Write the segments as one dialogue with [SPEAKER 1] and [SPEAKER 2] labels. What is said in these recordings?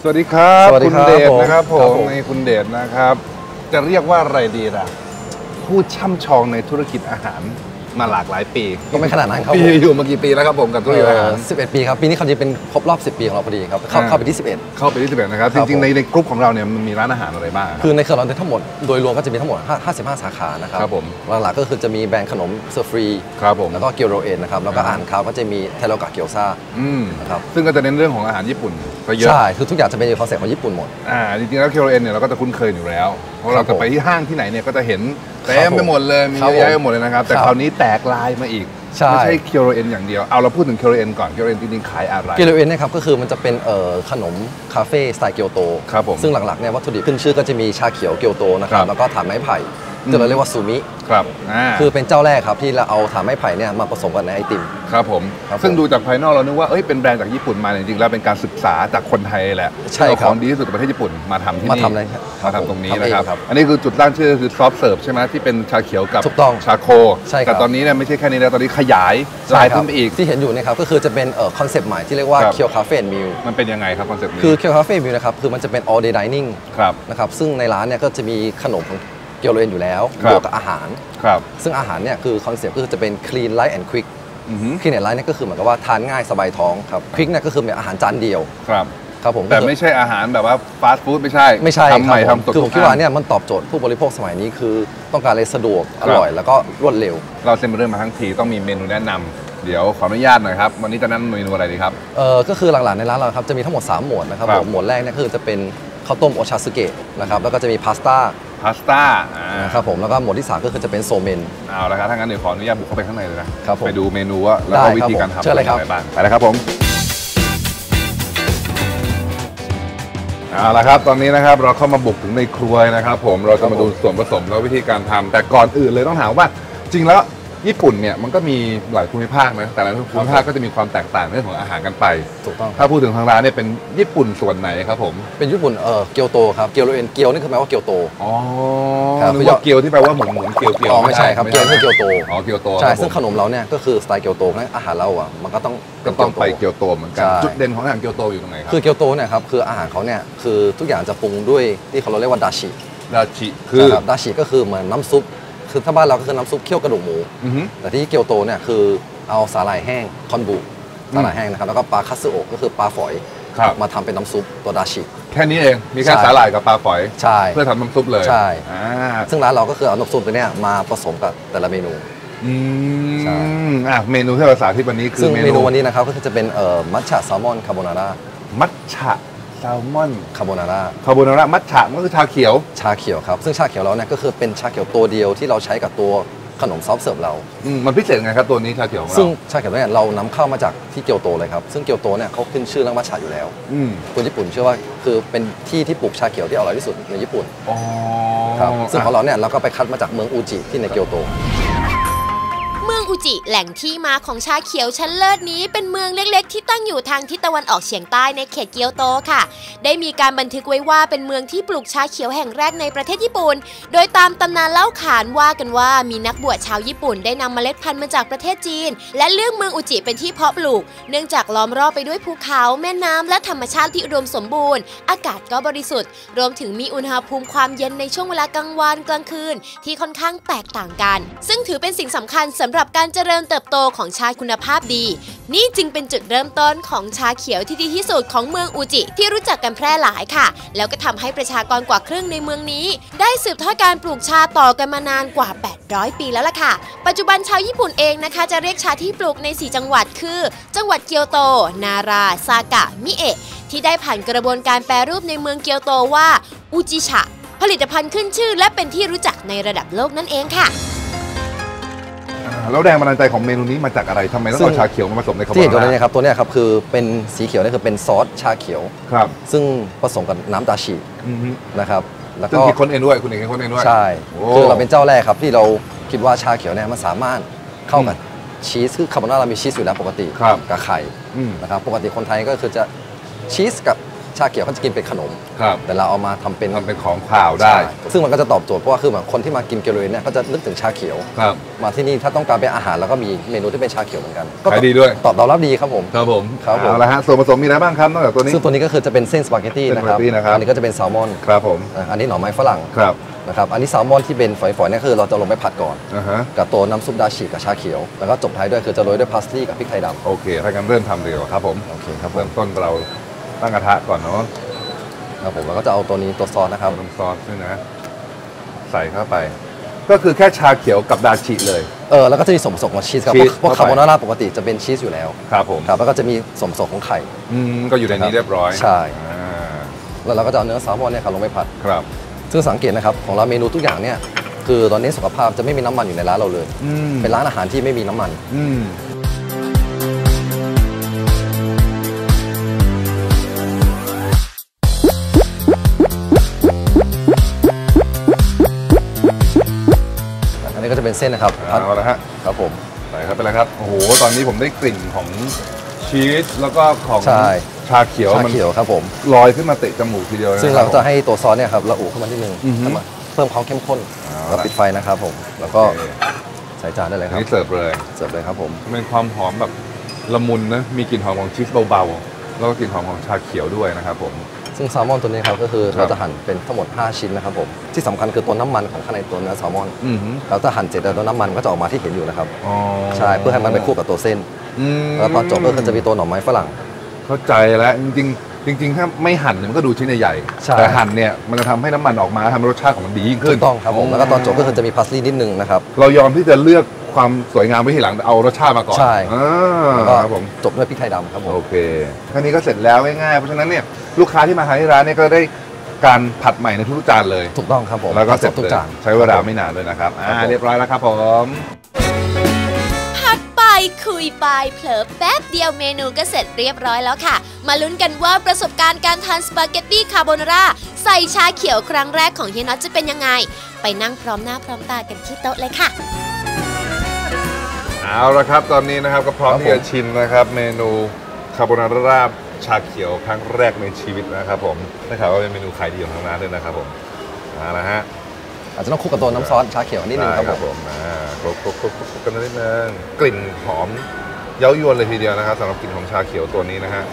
[SPEAKER 1] สวัสดีครับคุณเดชนะครับผม
[SPEAKER 2] ใน
[SPEAKER 1] คุณเดชนะครับจะเรียกว่าอะไรดีล่ะผู้ช่ำชองในธุรกิจอาหารมาหลากหลายปี
[SPEAKER 2] ก็ไม่ขนาดนั้นครับ
[SPEAKER 1] พี่อยู่มากี่ปีแล้วครับผมกับธุรกิจอาหาร
[SPEAKER 2] 11 ปีครับปีนี้เขาจะเป็นครบรอบ10 ปีของเราพอดีครับเข้าไปที่11
[SPEAKER 1] เข้าไปที่11นะครับจริงๆในกลุ่มของเราเนี่ยมันมีร้านอาหารอะไรบ้าง
[SPEAKER 2] คือในเครือเราทั้งหมดโดยรวมก็จะมีทั้งหมด55 สาขานะครับ
[SPEAKER 1] ครับผม
[SPEAKER 2] หลักๆก็คือจะมีแบรนด์ขนมเซอร์ฟรี
[SPEAKER 1] ครับผม
[SPEAKER 2] แล้วก็เกียวโรเอ็นนะครับแล้วก็อาหารคาวก็จะมีเทโรกะเกียวซา
[SPEAKER 1] นะครับซึ่งก็จะเน้นเรื่องของอาหารญี่ปุ่นไปเยอะ
[SPEAKER 2] ใช่คือทุกอย่างจะเป็นคอนเซ็ปต์ของญี่ปุ่นหมด
[SPEAKER 1] จริงๆแล้วเกียวโรเอ็นเนี่ยเราก็จะคุ้นเคยอยู่แล้วเพราะเราจะไปที่ห้างที่ไหนเนี่ยก็จะเห็นเต็มไปหมดเลยมีเยอะแยะไปหมดเลยนะครับแต่คราวนี้แตกลายมาอีกไม่ใช่เคียวโรเอ็นอย่างเดียวเอาเราพูดถึงเคียวโรเอ็นก่อนเคียวโรเอ็นจริงๆขายอะไร
[SPEAKER 2] เคียวโรเอ็นนะครับก็คือมันจะเป็นขนมคาเฟ่สไตล์เกียวโต
[SPEAKER 1] ครับผม
[SPEAKER 2] ซึ่งหลักๆเนี่ยวัตถุดิบขึ้นชื่อก็จะมีชาเขียวเกียวโตนะครับแล้วก็ถ่านไม้ไผ่ที่เราเรียกว่าซูมิ
[SPEAKER 1] ครับ
[SPEAKER 2] คือเป็นเจ้าแรกครับที่เราเอาถ่านไม้ไผ่เนี่ยมาผสมกันในไอติม
[SPEAKER 1] ครับผมซึ่งดูจากภายนอกเรานึกว่าเป็นแบรนด์จากญี่ปุ่นมาจริงๆแล้วเป็นการศึกษาจากคนไทยแหละ
[SPEAKER 2] ใช่ครับ
[SPEAKER 1] ของดีที่สุดในประเทศญี่ปุ่นมาทำที่นี่มาทำตรงนี้นะครับอันนี้คือจุดตั้งชื่อคือซอฟต์เสิร์ฟใช่ไหมที่เป็นชาเขียวกับชาโคแต่ตอนนี้เนี่ยไม่ใช่แค่นี้แล้วตอนนี้ขยายลายขึ้นไปอีก
[SPEAKER 2] ที่เห็นอยู่นะครับก็คือจะเป็นคอนเซปต์ใหม่ที่เรียกว่าเคียวคาเฟ่มิล
[SPEAKER 1] มันเป็นยังไงครับคอนเซปต์นี้
[SPEAKER 2] คือเคียวคาเฟ่มิลนะครับคือมันจะเป็น all day dining นะครับซึ่งในร้านเนี่ยก็จะมีขนมของเกียวโรเอ็นอยู่แล้วบวกกับอาหารซึ่งอาหารเนี่ยคือคอนเซปต์ก็คือจะเป็น clean light and quick clean and light เนี่ยก็คือเหมือนกับว่าทานง่ายสบายท้องครับ quick เนี่ยก็คือเป็นอาหารจานเดียวครับผม
[SPEAKER 1] แต่ไม่ใช่อาหารแบบว่าฟาสต์ฟู้ดไม่ใช่
[SPEAKER 2] ทำใหม่ทำสดคือผมคิดว่าเนี่ยมันตอบโจทย์ผู้บริโภคสมัยนี้คือต้องการอะไรสะดวกอร่อยแล้วก็รวดเร็ว
[SPEAKER 1] เราเซ็นเรื่องมาทั้งทีต้องมีเมนูแนะนำเดี๋ยวขออนุญาตหน่อยครับวันนี้จะนำเมนูอะไรดีครับ
[SPEAKER 2] ก็คือหลักๆในร้านเราครับจะมีทั้งหมด3หมวดนะครับหมวดแรกเนี่ยคือจะเป็นข้าวต้มโอชาสึเกะนะครับแล้วก็จะมีพาสต้าครับผมแล้วก็หมวดที่3ก็คือจะเป็นโซเมน
[SPEAKER 1] เอาละครับถ้างั้นเดี๋ยวขออนุญาตบุกเข้าไปข้างในเลยนะครับไปดูเมนูว่าแล้วก็วิธีการทำอะไรบ้างไปเลยครับผมเอาละครับตอนนี้นะครับเราเข้ามาบุกถึงในครัวนะครับผมเราจะมาดูส่วนผสมและวิธีการทำแต่ก่อนอื่นเลยต้องถามว่าจริงแล้วญี่ปุ่นเนี่ยมันก็มีหลายภูมิภาคนะแต่ละภูมิภาคก็จะมีความแตกต่างเรื่องของอาหารกันไป
[SPEAKER 2] ถูกต้อง
[SPEAKER 1] ถ้าพูดถึงทางร้านเนี่ยเป็นญี่ปุ่นส่วนไหนครับผม
[SPEAKER 2] เป็นญี่ปุ่นเกียวโตครับเกียวโรเอ็นเกียวนี่คือแปลว่าเกียวโต
[SPEAKER 1] นึกว่าเกียวที่แปลว่าหมุนเกียว
[SPEAKER 2] ไม่ใช่ครับเกียวคือเกียวโต
[SPEAKER 1] เกียวโต
[SPEAKER 2] ใช่ซึ่งขนมเราเนี่ยก็คือสไตล์เกียวโตนะอาหารเราอ่ะมันก็ต้อง
[SPEAKER 1] ไปเกียวโตเหมือนกันจุดเด่นของอาหารเกียวโตอยู่ตรงไหนครับ
[SPEAKER 2] คือเกียวโตเนี่ยครับคืออาหารเขาเนี่ยคือทุกอย่างจะปรุงด้วยที่เขาเรียกว่าดาชิ
[SPEAKER 1] คือ
[SPEAKER 2] ดาชิก็คือเหมือนน้ำซุปคือถ้าบ้านเราก็คือน้ำซุปเคี่ยวกระดูกหมูแต่ที่เกียวโตเนี่ยคือเอาสาหร่ายแห้งคอนบุสาหร่ายแห้งนะครับแล้วก็ปลาคัตสึโอะก็คือปลาฝอยมาทำเป็นน้ำซุปตัวดาชิ
[SPEAKER 1] แค่นี้เองมีแค่สาหร่ายกับปลาฝอย
[SPEAKER 2] ใช่
[SPEAKER 1] เพื่อทำน้ำซุปเลย
[SPEAKER 2] ใช่ซึ่งร้านเราก็คือเอาน้ำซุปตัวเนี้ยมาผสมกับแต่ละเมนู
[SPEAKER 1] เมนูที่เราสาธิตวันนี้คือ
[SPEAKER 2] เมนูวันนี้นะครับก็คือจะเป็นมัทฉะแซลมอนคาโบนาร่า
[SPEAKER 1] มัทฉะแซลมอน
[SPEAKER 2] คาโบนาร่า
[SPEAKER 1] มัทฉะก็คือชาเขียว
[SPEAKER 2] ครับซึ่งชาเขียวเราเนี่ยก็คือเป็นชาเขียวตัวเดียวที่เราใช้กับตัวขนมซอฟต์เสิร์ฟเรา
[SPEAKER 1] มันพิเศษไงครับตัวนี้ชาเขียว
[SPEAKER 2] ซึ่งชาเขียวเนี่ยเรานำเข้ามาจากที่เกียวโตเลยครับซึ่งเกียวโตเนี่ยเขาขึ้นชื่อเรื่องมัทฉะอยู่แล้วคนญี่ปุ่นเชื่อว่าคือเป็นที่ปลูกชาเขียวที่อร่อยที่สุดในญี่ปุ่นครับซึ่งของเราเนี่ยเราก็ไปคัดมาจากเมืองอูจิที่ในเกียวโต
[SPEAKER 3] เมืองอุจิแหล่งที่มาของชาเขียวชั้นเลิศนี้เป็นเมืองเล็กๆที่ตั้งอยู่ทางทิศตะวันออกเฉียงใต้ในเขตเกียวโตค่ะได้มีการบันทึกไว้ว่าเป็นเมืองที่ปลูกชาเขียวแห่งแรกในประเทศญี่ปุ่นโดยตามตำนานเล่าขานว่ากันว่ามีนักบวชชาวญี่ปุ่นได้นำเมล็ดพันธุ์มาจากประเทศจีนและเลือกเมืองอุจิเป็นที่เพาะปลูกเนื่องจากล้อมรอบไปด้วยภูเขาแม่น้ำและธรรมชาติที่อุดมสมบูรณ์อากาศก็บริสุทธิ์รวมถึงมีอุณหภูมิความเย็นในช่วงเวลากลางวันกลางคืนที่ค่อนข้างแตกต่างกันซึ่งถือเป็นสิ่งสำคัญสำหรับการเจริญเติบโตของชาคุณภาพดีนี่จึงเป็นจุดเริ่มต้นของชาเขียวที่ดีที่สุดของเมืองอูจิที่รู้จักกันแพร่หลายค่ะแล้วก็ทำให้ประชากรกว่าครึ่งในเมืองนี้ได้สืบทอดการปลูกชาต่อกันมานานกว่า800ปีแล้วล่ะค่ะปัจจุบันชาวญี่ปุ่นเองนะคะจะเรียกชาที่ปลูกใน4จังหวัดคือจังหวัดเกียวโตนาราซากะมิเอะที่ได้ผ่านกระบวนการแปรรูปในเมืองเกียวโตว่าอุจิชะผลิตภัณฑ์ขึ้นชื่อและเป็นที่รู้จักในระดับโลกนั่นเองค่ะ
[SPEAKER 1] แล้วแรงบันดาลใจของเมนูนี้มาจากอะไรทำไมต้องเอาชาเขียวมาผสมในคาโบนาร่า
[SPEAKER 2] ที่ตัวนี้ครับตัวนี้ครับคือเป็นสีเขียวนี่คือเป็นซอสชาเขียว
[SPEAKER 1] ครับ
[SPEAKER 2] ซึ่งผสมกับน้ำดาชินะครับ
[SPEAKER 1] แล้วก็คิดค้นเองด้วยคุณเองคิดค้นเองด้วย
[SPEAKER 2] ใช่คือเราเป็นเจ้าแรกครับที่เราคิดว่าชาเขียวเนี่ยมันสามารถเข้ากับชีสคือคาโบนาร่ามีชีสอยู่แล้วปกติกับไข่นะครับปกติคนไทยก็คือจะชีสกับชาเขียวเขาจะกินเป็นขนม
[SPEAKER 1] ครับ
[SPEAKER 2] แต่เราเอามาทำเป็น
[SPEAKER 1] ของข่าวได้
[SPEAKER 2] ซึ่งมันก็จะตอบโจทย์เพราะว่าคือแบบคนที่มากินเกียวโตเนี่ยก็จะนึกถึงชาเขียว
[SPEAKER 1] ครับ
[SPEAKER 2] มาที่นี่ถ้าต้องการเป็นอาหารแล้วก็มีเมนูที่เป็นชาเขียวเหมือนกันก็
[SPEAKER 1] ขายดีด้วย
[SPEAKER 2] ตอบรับดีครับผม
[SPEAKER 1] ครับผม
[SPEAKER 2] ครับผม
[SPEAKER 1] เอาละฮะส่วนผสมมีอะไรบ้างครับนอกจากตัวนี้
[SPEAKER 2] ซึ่งตัวนี้ก็คือจะเป็นเส้นสปาเกตตี้นะครับ
[SPEAKER 1] เส้นสปาเกตตี้นะครับ
[SPEAKER 2] อันนี้ก็จะเป็นแซลมอน
[SPEAKER 1] ครับผม
[SPEAKER 2] อันนี้หน่อไม้ฝรั่ง
[SPEAKER 1] ครับ
[SPEAKER 2] นะครับอันนี้แซลมอนที่เป็นฝอยๆเนี่ยคือเราจะลงไปผัดก่อน
[SPEAKER 1] อ่าฮะ
[SPEAKER 2] กับตัวน้ำซุปดาชิกับชาเขียวแล้วก็จบท้ายด้วยคือจะโรยด้วยพาสลีย์กับพริกไทยดำ
[SPEAKER 1] โอเคถ้างั้นเริ่มทำเลยครับผม
[SPEAKER 2] โอเคครับผ
[SPEAKER 1] เริ่
[SPEAKER 2] ม
[SPEAKER 1] มต้นเราตั้งกระทะก่อนเนาะ
[SPEAKER 2] ครับผมแล้วก็จะเอาตัวนี้ตัวซอสนะครับ
[SPEAKER 1] น้ำซอสด้วยนะ ใส่เข้าไป ก็คือแค่ชาเขียวกับดาชิเลย
[SPEAKER 2] แล้วก็จะมีส่วนผสมของชีสครับ
[SPEAKER 1] ชีส
[SPEAKER 2] พวก
[SPEAKER 1] เข้าไป
[SPEAKER 2] คาโบนาร่าปกติจะเป็นชีสอยู่แล้ว
[SPEAKER 1] ครับผม
[SPEAKER 2] ครับแล้วก็จะมีส่วนผสมของไข่
[SPEAKER 1] ก็อยู่ในนี้เรียบร้อย
[SPEAKER 2] ใช่
[SPEAKER 1] อ่า
[SPEAKER 2] แล้วเราก็จะเอาเนื้อแซลมอนเนี่ยครับลงไปผัด
[SPEAKER 1] ครับ
[SPEAKER 2] ซึ่งสังเกตนะครับของเราเมนูทุกอย่างเนี่ยคือตอนนี้สุขภาพจะไม่มีน้ำมันอยู่ในร้านเราเลย เป็นร้านอาหารที่ไม่มีน้ำมัน อันนี้ก็จะเป็นเส้นนะครับผัด
[SPEAKER 1] เอาละฮะ
[SPEAKER 2] ครับผม
[SPEAKER 1] ใส่เข้าไปแล้วครับ โอ้โห ตอนนี้ผมได้กลิ่นของชีสแล้วก็ของ
[SPEAKER 2] ใช่
[SPEAKER 1] ชาเขียว
[SPEAKER 2] ชา
[SPEAKER 1] มัน
[SPEAKER 2] เขียวครับผม
[SPEAKER 1] ลอยขึ้นมาเตะจมูกทีเดียวเลย
[SPEAKER 2] ซึ่ง
[SPEAKER 1] นค
[SPEAKER 2] เรา
[SPEAKER 1] บ
[SPEAKER 2] จะให้ตัวซอสเนี่ยครับระอุขึ้นมานิดนึง
[SPEAKER 1] อือฮึ
[SPEAKER 2] ให้มันเพิ่มความเข้มข้น
[SPEAKER 1] เอาละ
[SPEAKER 2] แล้วปิดไฟนะครับผมแล้วก็
[SPEAKER 1] โอเค
[SPEAKER 2] ใส่จานได้เลย
[SPEAKER 1] อั
[SPEAKER 2] คน รับ
[SPEAKER 1] นี้เสิร์ฟเลย
[SPEAKER 2] เสิร์ฟเลยครับผม
[SPEAKER 1] เป็นความหอมแบบละมุนนะ มีกลิ่นหอมของชีสเบาๆ แล้วก็กลิ่นหอมของชาเขียวด้วยนะครับผม
[SPEAKER 2] ซึ่งแซลมอนตัวนี้ครับก็คือ
[SPEAKER 1] ครับ
[SPEAKER 2] เราจะหั่นเป็นทั้งหมด 5 ชิ้นนะครับผมที่สำคัญคือตัวน้ำมันของข้างในตัวเนื้อแซลมอน
[SPEAKER 1] อือหือ
[SPEAKER 2] เราจะหั่นเสร็จแล้วตัวน้ำมันก็จะออกมาที่เห็นอยู่นะครับ
[SPEAKER 1] อ๋อ
[SPEAKER 2] ใช่เพื่อให้มันไปคู่กับตัวเส้น
[SPEAKER 1] อืม
[SPEAKER 2] แล้วตอนจบก็คือจะมีตัวหน่อไม้ฝรั่ง
[SPEAKER 1] เข้าใจแล้วจริงๆถ้าไม่หั่นเนี่ยมันก็ดูชิ้นใหญ่
[SPEAKER 2] ใช่
[SPEAKER 1] ๆแต่หั่นเนี่ยมันจะทำให้น้ำมันออกมาทำให้รสชาติของมันดียิ่ง
[SPEAKER 2] ถู
[SPEAKER 1] ขึ้น
[SPEAKER 2] กต้องครับผมแล้วก็ตอนจบก็คือจะมีพาสลีย์นิดนึงนะครับ
[SPEAKER 1] เรายอมที่จะเลือกความสวยงามไว้ทีหลังแต่เอารสชาติมาก่อน
[SPEAKER 2] ใช่ แล้วก็
[SPEAKER 1] ครับผม
[SPEAKER 2] จบด้วยพริกไทยดำครับผม
[SPEAKER 1] โอเคแค่นี้ก็เสร็จแล้วง่ายๆเพราะฉะนั้นเนี่ยลูกค้าที่มาทานที่ร้านเนี่ยก็ได้การผัดใหม่ในทุกๆจานเลย
[SPEAKER 2] ถูกต้องครับผม
[SPEAKER 1] แล้วก็เสร็จ
[SPEAKER 2] ทุก
[SPEAKER 1] เลย
[SPEAKER 2] จาน
[SPEAKER 1] ใช้เวลาไม่นานด้วยนะครับ
[SPEAKER 2] ครับผม
[SPEAKER 1] เรียบร้อยแล้วครับผม
[SPEAKER 3] พักไปคุยไปเผลอแป๊บเดียวเมนูก็เสร็จเรียบร้อยแล้วค่ะ มาลุ้นกันว่าประสบการณ์การทานสปาเกตตี้คาโบนาร่าใส่ชาเขียวครั้งแรกของเฮียน็อตจะเป็นยังไง ไปนั่งพร้อมหน้าพร้อมตากันที่โต๊ะเลยค่ะ
[SPEAKER 1] เอาละครับตอนนี้นะครับก็พร้อมที่จะชิมนะครับเมนูคาโบนาร่าชาเขียวครั้งแรกในชีวิตนะครับผมได้ข่าวว่าเป็นเมนูขายดีของทางร้านด้วยนะครับผมเอาละฮะ
[SPEAKER 2] อาจจะต้องคลุกกับตัวน้ำซอสชาเขียวนิดนึงครับผม
[SPEAKER 1] คลุกกันนิดนึงกลิ่นหอมเย้ายวนเลยทีเดียวนะครับสำหรับกลิ่นของชาเขียวตัวนี้นะฮะ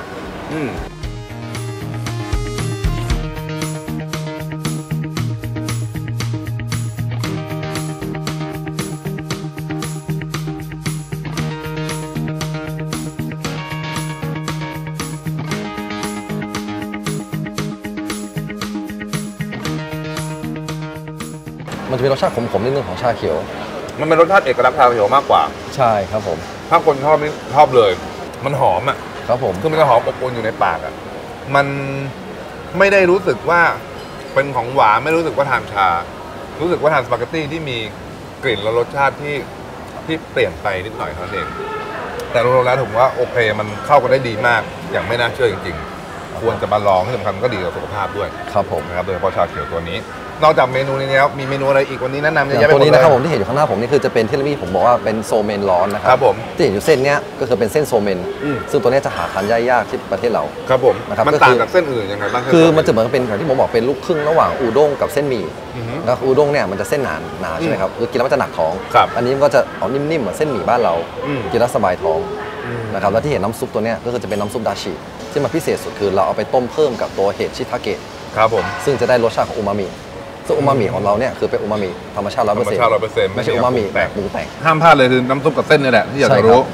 [SPEAKER 2] มันจะมีรสชาติขมๆนิดนึงของชาเขียว
[SPEAKER 1] มันเป็นรสชาติเอกลักษณ์ชาเขียวมากกว่า
[SPEAKER 2] ใช่ครับผม
[SPEAKER 1] ถ้าคนชอบนี่ชอบเลย มันหอมอ่ะ
[SPEAKER 2] ครับผม
[SPEAKER 1] คือมันจะหอมอบอวลอยู่ในปากอ่ะมันไม่ได้รู้สึกว่าเป็นของหวานไม่รู้สึกว่าทานชา รู้สึกว่าทานสปาเกตตี้ที่มีกลิ่นและรสชาติที่เปลี่ยนไปนิดหน่อยเท่านั้นเองแต่รวมๆแล้วผมว่าโอเคมันเข้ากันได้ดีมากอย่างไม่น่าเชื่อจริงๆควรจะมาลองที่สำคัญมันก็ดีต่อสุขภาพด้วย
[SPEAKER 2] ครับผม
[SPEAKER 1] นะครับโดยเฉพาะชาเขียวตัวนี้ นอกจากเมนูนี้แล้วมีเมนูอะไรอีกวันนี้แนะนำเยอะ
[SPEAKER 2] อ
[SPEAKER 1] แยะ
[SPEAKER 2] ย่าง
[SPEAKER 1] ไปหมด
[SPEAKER 2] ตัวนี้
[SPEAKER 1] เลย
[SPEAKER 2] นะครับผมที่เห็นอยู่ข้างหน้าผมนี่คือจะเป็นที่ผมบอกว่าเป็นโซเมนร้อนนะครั
[SPEAKER 1] ครับผม
[SPEAKER 2] ที่เห็นอยู่เส้นเนี้ยก็คือเป็นเส้นโซเมน
[SPEAKER 1] อืม
[SPEAKER 2] ซึ่งตัวเนี้ยจะหาทานยากที่ประเทศเรา
[SPEAKER 1] ครับผม
[SPEAKER 2] นะครับ
[SPEAKER 1] มัน
[SPEAKER 2] ก็คือ
[SPEAKER 1] ต่างจากเส้นอื่นยังไงบ้าง
[SPEAKER 2] คือมันจะเหมือนกับเป็นอย่างที่ผมบอกเป็นลูกครึ่งระหว่างอูด้งกับเส้นหมี่
[SPEAKER 1] อือฮึ
[SPEAKER 2] แล้วอูด้งเนี่ยมันจะเส้นหนาใช่ไหมครับคือกินแล้วมันจะหนักท้อง
[SPEAKER 1] ครับ
[SPEAKER 2] อันนี้มันก็จะออกนิ่มๆเหมือนเส้นหมี่บ้านเรา
[SPEAKER 1] อืม
[SPEAKER 2] กินแล้วสบายท้อง
[SPEAKER 1] อืม
[SPEAKER 2] นะครับแล้วที่เห็นน้ำซุปตัวเนี้ยก็คือจะเป็นน้ำซุปดาชิที่มันพิเศษสุดคือเราเอาไปต้มเพิ่มกับตัวเห็ดชิทาเกะ
[SPEAKER 1] ครับผม
[SPEAKER 2] ซึ่งจะได้รสชาติของอูมามิซึ่งอูมามิของเราเนี่ยคือเป็นอูมามิธรรมชาติ
[SPEAKER 1] ธรรมชาติ 100%
[SPEAKER 2] ไม่ใช่อูมามิแบบปรุงแต่ง
[SPEAKER 1] ห้ามพลาดเลยคือน้ำซุปกับเส้นนี่แหละที่อยาก
[SPEAKER 2] ใช่
[SPEAKER 1] จะ
[SPEAKER 2] ครับ
[SPEAKER 1] รู้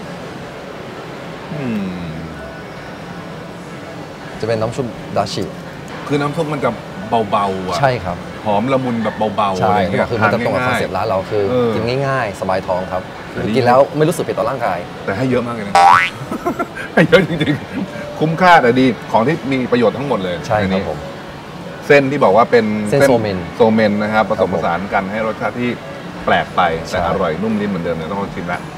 [SPEAKER 2] จะเป็นน้ำซุปดาชิ
[SPEAKER 1] คือน้ำซุปมันจะเบาๆอ่ะ
[SPEAKER 2] ใช่ครับ
[SPEAKER 1] หอมละมุนแบบเบาๆ
[SPEAKER 2] ใช่
[SPEAKER 1] อะไรเงี้ย
[SPEAKER 2] คือมันจะตรงกับคอนเซ็ปต์ร้านเราคือ
[SPEAKER 1] เออ
[SPEAKER 2] กินง่ายๆ สบายท้องครับ
[SPEAKER 1] แต่นี่
[SPEAKER 2] กินแล้วไม่รู้สึกผิดต่อร่างกาย
[SPEAKER 1] แต่ให้เยอะมากเลยนะ ให้เยอะจริงๆ คุ้มค่าแต่ดีของที่มีประโยชน์ทั้งหมดเลย
[SPEAKER 2] ใช่
[SPEAKER 1] ใน
[SPEAKER 2] ครับ
[SPEAKER 1] นี้
[SPEAKER 2] ผม
[SPEAKER 1] เส้นที่บอกว่าเป็น
[SPEAKER 2] เส้นโซเมน
[SPEAKER 1] โซเมนนะครับผสมผสานกันให้รสชาติที่แปลกไป
[SPEAKER 2] ใช่
[SPEAKER 1] แต่อร่อยนุ่มนิ่มเหมือนเดิมเนี่ยต้องลองชิมละ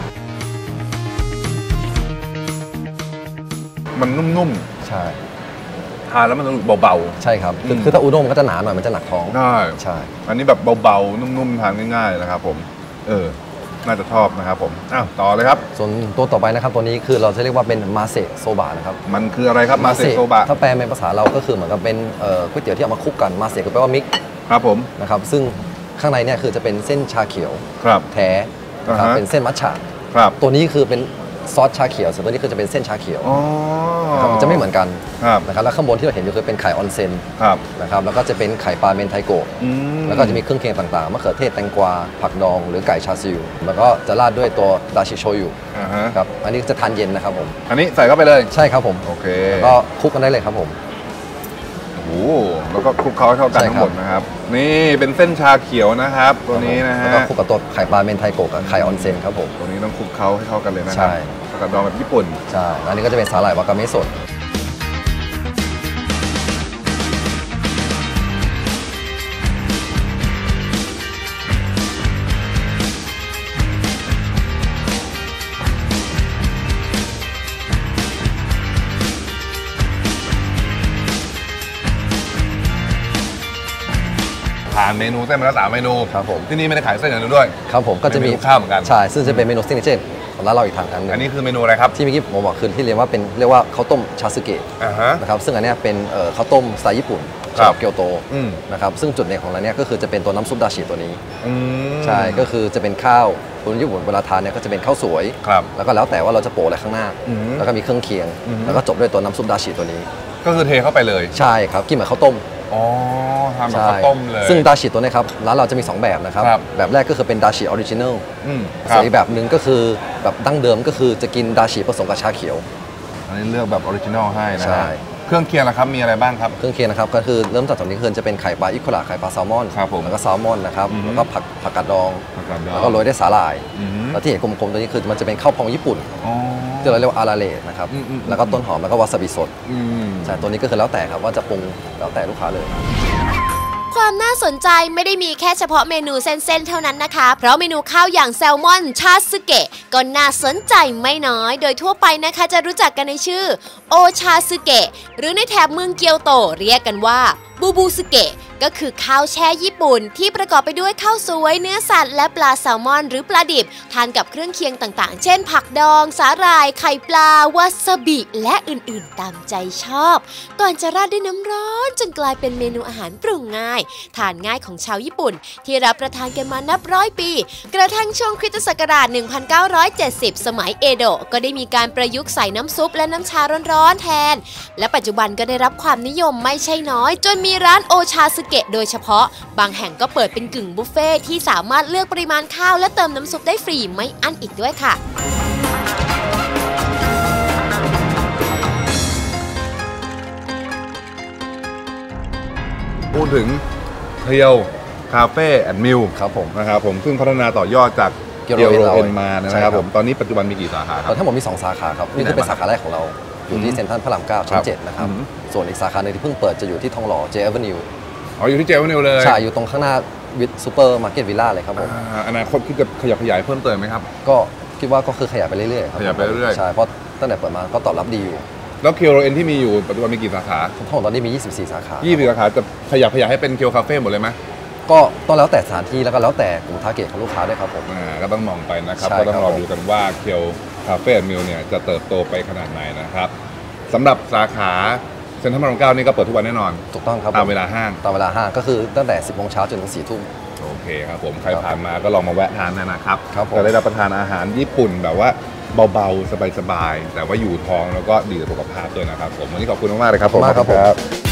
[SPEAKER 1] มันนุ่ม
[SPEAKER 2] ใช่
[SPEAKER 1] ๆทานแล้วมันรู้สึกเบา
[SPEAKER 2] ใช่ครับคือ
[SPEAKER 1] อืม
[SPEAKER 2] คือถ้าอูด้งมันก็จะหนาหน่อยมันจะหนักท้อง
[SPEAKER 1] ๆได้
[SPEAKER 2] ใช่
[SPEAKER 1] อันนี้แบบเบาๆนุ่มๆทานง่ายๆนะครับผม เออน่าจะชอบนะครับผมอ้าวต่อเลยครับ
[SPEAKER 2] ส่วนตัวต่อไปนะครับตัวนี้คือเราจะเรียกว่าเป็นมาเซโซบะนะครับ
[SPEAKER 1] มันคืออะไรครับมาเซโซบะ
[SPEAKER 2] ถ้าแปลเป็นภาษาเราก็คือเหมือนกับเป็นก๋วยเตี๋ยวที่เอามาคลุกกันมาเซก็แปลว่ามิก
[SPEAKER 1] ครับผม
[SPEAKER 2] นะครับซึ่งข้างในเนี่ยคือจะเป็นเส้นชาเขียวแท้นะครับเป็นเส้นมัทฉะตัวนี้คือเป็นซอสชาเขียวส่วนตัวนี้คือจะเป็นเส้นชาเขียวมันจะไม่เหมือนกันนะครับแล้วข้างบนที่เราเห็นอยู่คือเป็นไข่ออนเซ็นนะครับแล้วก็จะเป็นไข่ปลาเมนไทโกะแล้วก็จะมีเครื่องเคียงต่างๆมะเขือเทศแตงกวาผักดองหรือไก่ชาซิวแล้วก็จะราดด้วยตัวดาชิโชยุครับอันนี้จะทานเย็นนะครับผม
[SPEAKER 1] อันนี้ใส่เข้าไปเลย
[SPEAKER 2] ใช่ครับผม
[SPEAKER 1] โอเค
[SPEAKER 2] ก็คลุกกันได้เลยครับผม
[SPEAKER 1] โอ้แล้วก็คลุกเคล้าให้เข้ากันทั้งหมดนะครับนี่เป็นเส้นชาเขียวนะครับตัวนี้นะฮะ
[SPEAKER 2] แล้วก็คลุกกับตัวไข่ปลาเมนไทโกะกับไข่ออนเซ็นครับผม
[SPEAKER 1] ตัวนี้ต้องคลุกเคล้าให้เข้ากันเลยนะครับผักกาดดองแบบญี่ปุ่น
[SPEAKER 2] ใช่อันนี้ก็จะเป็นสาหร่ายวากาเมะสด
[SPEAKER 1] ทานเมนูเส้นมาแล้ว3เมนู
[SPEAKER 2] ครับผม
[SPEAKER 1] ที่นี่ไม่ได้ขายเส้นอย่างเดียวด้วย
[SPEAKER 2] ครับผมก็จะมี
[SPEAKER 1] ข้าวเหมือนกัน
[SPEAKER 2] ใช่ซึ่งจะเป็นเมนูซิกเนเจอร์ของร้านเราอีกทางนึง
[SPEAKER 1] อันนี้คือเมนูอะไรครับ
[SPEAKER 2] ที่เมื่อกี้ผมบอกคือที่เรียกว่าข้าวต้มชาสึเกะนะครับซึ่งอันนี้เป็นข้าวต้มสไตล์ญี่ปุ่นจากเกียวโตนะครับซึ่งจุดเด่นของร้านนี้ก็คือจะเป็นตัวน้ำซุปดาชิตัวนี้ใช่ก็คือจะเป็นข้าวคนญี่ปุ่นเวลาทานเนี่ยก็จะเป็นข้าวสวยแล้วก็แล้วแต่ว่าเราจะโปะอะไรข้างหน้าแล้วก็มีเครื่องเคียงแล้วก็จบด้วยตัวน้ำซุปดาชิตัวนี้
[SPEAKER 1] ก็คือเทเข้าไปเลย
[SPEAKER 2] ใช่ครับกินเหมือนข้าวต้ม
[SPEAKER 1] อ๋อทำแบบข้าวต้มเลย
[SPEAKER 2] ซึ่งดาชิตัวนี้ครับร้านเราจะมี2แบบนะครับแบบแรกก็คือเป็นดาชิออริจินัลส่วนอีกแบบหนึ่งก็คือแบบดั้งเดิมก็คือจะกินดาชิผสมกับชาเขียว
[SPEAKER 1] อันนี้เลือกแบบออริจินัลให้นะเครื่องเคียงนะครับมีอะไรบ้างครับ
[SPEAKER 2] เครื่องเคียงนะครับก็คือเริ่มจากตรงนี้คือจะเป็นไข่ปลาอิคุระไข่ปลาแซลมอนแล้วก็แซลมอนนะครับแล้วก็ผักกาดดองแล้วก็โรยด้วยสาหร่ายแล้วที่เห็นกลมๆตัวนี้คือมันจะเป็นข้าวพองญี่ปุ่นที่เราเรียกว่าอาราเละนะครับแล้วก็ต้นหอมแล้วก็วาซาบิสดใช่ตัวนี้ก็คือแล้วแต่ครับว่าจะปรุงแล้วแต่ลูกค้าเลย
[SPEAKER 3] ความน่าสนใจไม่ได้มีแค่เฉพาะเมนูเส้นๆเท่านั้นนะคะเพราะเมนูข้าวอย่างแซลมอนชาสึเกะก็น่าสนใจไม่น้อยโดยทั่วไปนะคะจะรู้จักกันในชื่อโอชาสึเกะหรือในแถบเมืองเกียวโตเรียกกันว่าบูบูสึเกะก็คือข้าวแช่ญี่ปุ่นที่ประกอบไปด้วยข้าวสวยเนื้อสัตว์และปลาแซลมอนหรือปลาดิบทานกับเครื่องเคียงต่างๆเช่นผักดองสาหร่ายไข่ปลาวาซาบิและอื่นๆตามใจชอบก่อนจะราดด้วยน้ำร้อนจนกลายเป็นเมนูอาหารปรุงง่ายทานง่ายของชาวญี่ปุ่นที่รับประทานกันมานับร้อยปีกระทั่งช่วงคริสตศักราช 1970 สมัยเอโดะก็ได้มีการประยุกต์ใส่น้ำซุปและน้ำชาร้อนๆแทนและปัจจุบันก็ได้รับความนิยมไม่ใช่น้อยจนมีร้านโอชาสึเกะโดยเฉพาะบางแห่งก็เปิดเป็นกึ่งบุฟเฟ่ที่สามารถเลือกปริมาณข้าวและเติมน้ำซุปได้ฟรีไม่อั้นอีกด้วยค่ะ
[SPEAKER 1] พูดถึงเทียวคาเฟ่แอนด์มิล
[SPEAKER 2] ครับผม
[SPEAKER 1] นะครับผมซึ่งพัฒนาต่อยอดจากเกียวโรเอ็นมานะครับผมตอนนี้ปัจจุบันมีกี่สาขาครับ
[SPEAKER 2] ทั้งหมดมี2สาขาครับนี่คือเป็นสาขาแรกของเราอยู่ที่เซ็นทรัลพระราม 9 ชั้น 7นะครับส่วนอีกสาขาหนึ่งที่เพิ่งเปิดจะอยู่ที่ทองหล่อเจแอเวนิว
[SPEAKER 1] อยู่ที่เจแอเวนิวเลย
[SPEAKER 2] ใช่อยู่ตรงข้างหน้าวิทซูเปอร์มาร์เก็ตวิลล่าเลยครับผม
[SPEAKER 1] อนาคตคิดจะขยับขยายเพิ่มเติมไหมครับ
[SPEAKER 2] ก็คิดว่าก็คือขยายไปเรื่อยๆครับ
[SPEAKER 1] ขยายไปเรื่อย
[SPEAKER 2] ๆใช่เพราะตั้งแต่เปิดมาก็ตอบรับดีอยู่
[SPEAKER 1] แล้วเคียวโรเอ็นที่มีอยู่ปัจจุบันมีกี่สาขา
[SPEAKER 2] ทั้งหมดตอนนี้มี24สาขา
[SPEAKER 1] 24สาขาจะขยับขยายให้เป็นเคียวคาเฟ่หมดเลยไหม
[SPEAKER 2] ก็ต้องแล้วแต่สถานที่แล้วก็แล้วแต่กลุ่มทาร์เก็ตของลูกค้าด้วยครับผม
[SPEAKER 1] ก็ต้องมองไปนะครับก็ต้องรอดูกันว่าเคียวคาเฟ่มิลเนี่ยจะเติบโตไปขนาดไหนนะครับสำหรับสาขาเซ็นทรัลพระราม 9นี่ก็เปิดทุกวันแน่นอน
[SPEAKER 2] ถูกต้องครับ
[SPEAKER 1] ตามเวลาห้าง
[SPEAKER 2] ก็คือตั้งแต่ 10 โมงเช้าจนถึง 4 ทุ่ม
[SPEAKER 1] โอเคครับผมใครผ่านมาก็ลองมาแวะทานนะครับจะได้รับประทานอาหารญี่ปุ่นแบบว่าเบาๆสบายๆแต่ว่าอยู่ท้องแล้วก็ดีต่อสุขภาพด้วยนะครับผมวันนี้ขอบคุณมากๆเลยครับผม